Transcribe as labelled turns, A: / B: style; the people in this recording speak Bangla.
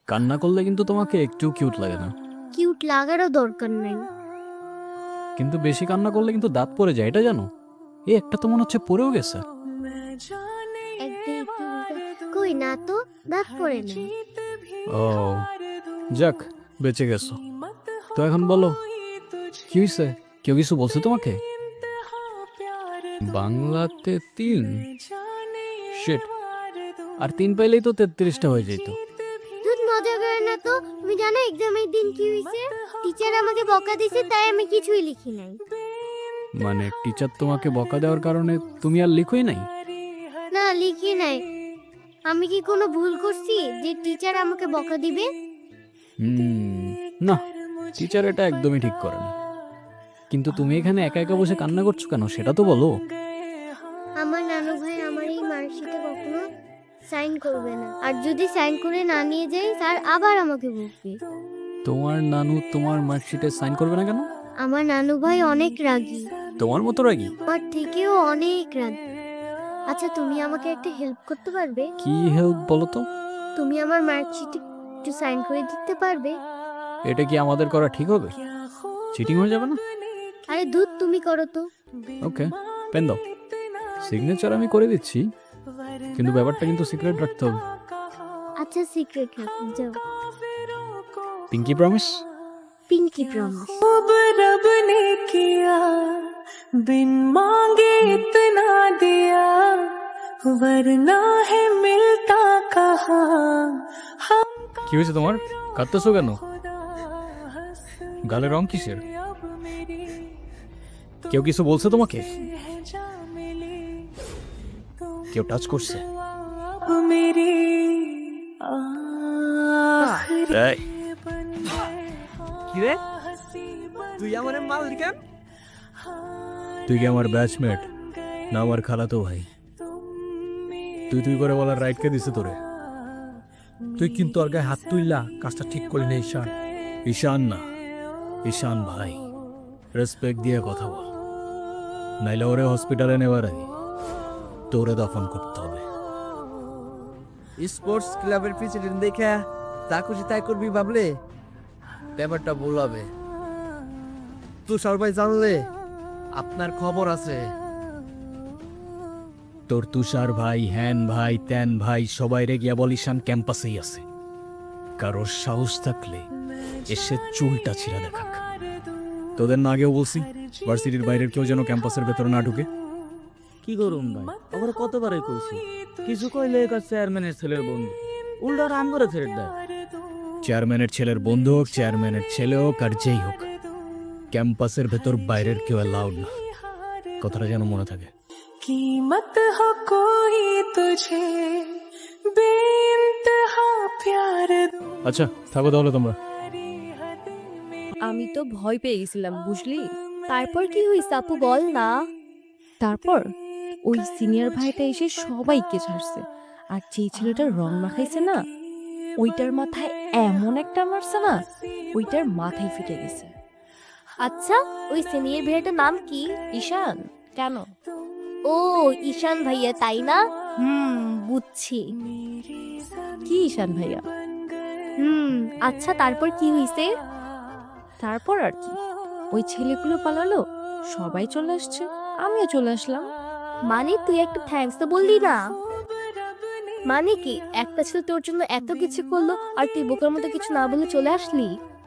A: কান্না করলে কিন্তু তোমাকে একটু কিউট লাগে না,
B: কিউট লাগারও দরকার নাই।
A: কিন্তু বেশি কান্না করলে কিন্তু দাঁত পড়ে যায়, এটা জানো? এই একটা তো মনে হচ্ছে পড়েও গেছে।
B: কই না তো, দাঁত পড়ে না।
A: ও যাক, বেঁচে গেছো। তো এখন বলো, কি হয়েছে? কেউ কিছু বলছে তোমাকে? বাংলাতে 3? শিট, আর 3 পাইলেই তো 33টা হয়ে যেত।
B: দুধ মজা করে না তো। তুমি জানো এক্সামের দিন কি হয়েছে? টিচার আমাকে বকা দিয়েছে, তাই আমি কিছুই লিখি নাই।
A: মানে টিচার তোমাকে বকা দেওয়ার কারণে তুমি আর লিখোই নাই?
B: না, লিখি নাই। আমি কি কোনো ভুল করছি যে টিচার আমাকে বকা দিবে?
A: না, টিচার এটা একদমই ঠিক করেনি। কিন্তু তুমি এখানে একা একা বসে কান্না করছো কেন, সেটা তো বলো।
B: আমার নানু ভাই আমার এই মার্কশিটে কখনো সাইন করবে না, আর যদি সাইন করে না নিয়ে যাই স্যার আবার আমাকে বকবে।
A: তোমার নানু তোমার মার্কশিটে সাইন করবে না কেন?
B: আমার নানু ভাই অনেক রাগী,
A: তোমার মতো রাগী?
B: আমার থেকেও অনেক রাগী। আচ্ছা, তুমি আমাকে একটা হেল্প করতে পারবে?
A: কি হেল্প বলো তো?
B: তুমি আমার মার্কশিটে একটু সাইন করে দিতে পারবে?
A: এটা কি আমাদের করা ঠিক হবে? চিটিং হয়ে যাবে না?
B: আরে দুধ, তুমি করো তো।
A: ওকে, পেন দাও। সিগনেচার আমি করে দিচ্ছি, কিন্তু ব্যাপারটা কিন্তু সিক্রেট রাখতে হবে।
B: আচ্ছা, সিক্রেট রাখো, যাও।
A: Pinky promise?
B: Pinky promise.
C: अब रब ने किया बिन मांगे इतना दिया वरना है मिलता कहाँ हम
A: কি হয়েছে তোমার? কাঁদতেছো কেন? গালে রং কিসের? কেউ কিছু বলছে তোমাকে? কেউ টাচ করছে?
C: अब मेरी
A: এই,
D: কিরে তুই আমার মাল কেন?
A: তুই কি আমার ব্যাচমেট না আমার খালাতো ভাই? তুই তুই করে বলার রাইট কে দিছে তোরে?
D: তুই কিন্তু ওর গায়ে হাত তুললা, কাজটা ঠিক করলি না ঈশান।
A: ঈশান না, ঈশান ভাই। রেসপেক্ট দিয়ে কথা বল, নাইলে ওরে হসপিটালে নেওয়ার আগে তোরে দফন করতে হবে।
D: স্পোর্টস ক্লাবের প্রেসিডেন্ট দেখে তা খুশি তাই করবি ভাবলে ব্যাপারটা ভুল হবে। তুষার ভাই জানলে আপনার খবর আছে।
A: তোর তুষার ভাই, হ্যান ভাই, ত্যান ভাই সবাই রে গিয়া বল ঈশান ক্যাম্পাসেই আছে। কারোর সাহস থাকলে এসে চুলটা ছিঁড়া দেখাক। তোদের না আগেও বলছি ভার্সিটির বাইরের কেউ যেন ক্যাম্পাসের ভেতরে না ঢুকে।
E: কি করুন ভাই, ওরা কতবারই কইছি, কিছু কইলে একা চেয়ারম্যানের ছেলের বন্ধু, উল্টা রাম করে ছেড়ে দেয়।
A: চেয়ারম্যানের ছেলের বন্ধু হোক, চেয়ারম্যানের ছেলে হোক, আর যেই হোক, ক্যাম্পাসের ভেতর বাইরের কেউ অ্যালাউড না। কথাটা যেন মনে থাকে।
C: कीमत हो कोई तुझे बेइंतहा प्यार
A: আচ্ছা থাকো তাহলে তোমরা।
F: আমি তো ভয় পেয়ে গেছিলাম, বুঝলি? তারপর কি হয়েছে আপু, বল না। তারপর ওই সিনিয়র ভাইটা এসে সবাইকে ছাড়ছে, আর যে ছেলেটা রং মাখাইছে না, ওইটার মাথায় এমন একটা মারছে না, ওইটার মাথায় ফেটে গেছে।
B: আচ্ছা, ওই সিনিয়র ভাইয়াটার নাম কি?
F: ঈশান। কেন?
B: ও, ঈশান ভাইয়া, তাই না? বুঝছি।
F: কি ঈশান ভাইয়া?
B: আচ্ছা, তারপর কি হয়েছে?
F: তারপর আর কি, ওই ছেলেগুলো পালালো, সবাই চলে আসছে, আমিও চলে আসলাম।
B: মানে তুই একটা থ্যাঙ্কস তো বললি না? মানে কি, একটা ছেলে তোর জন্য এত কিছু করলো আর তুই বোকার মতো কিছু না বলে চলে আসলি?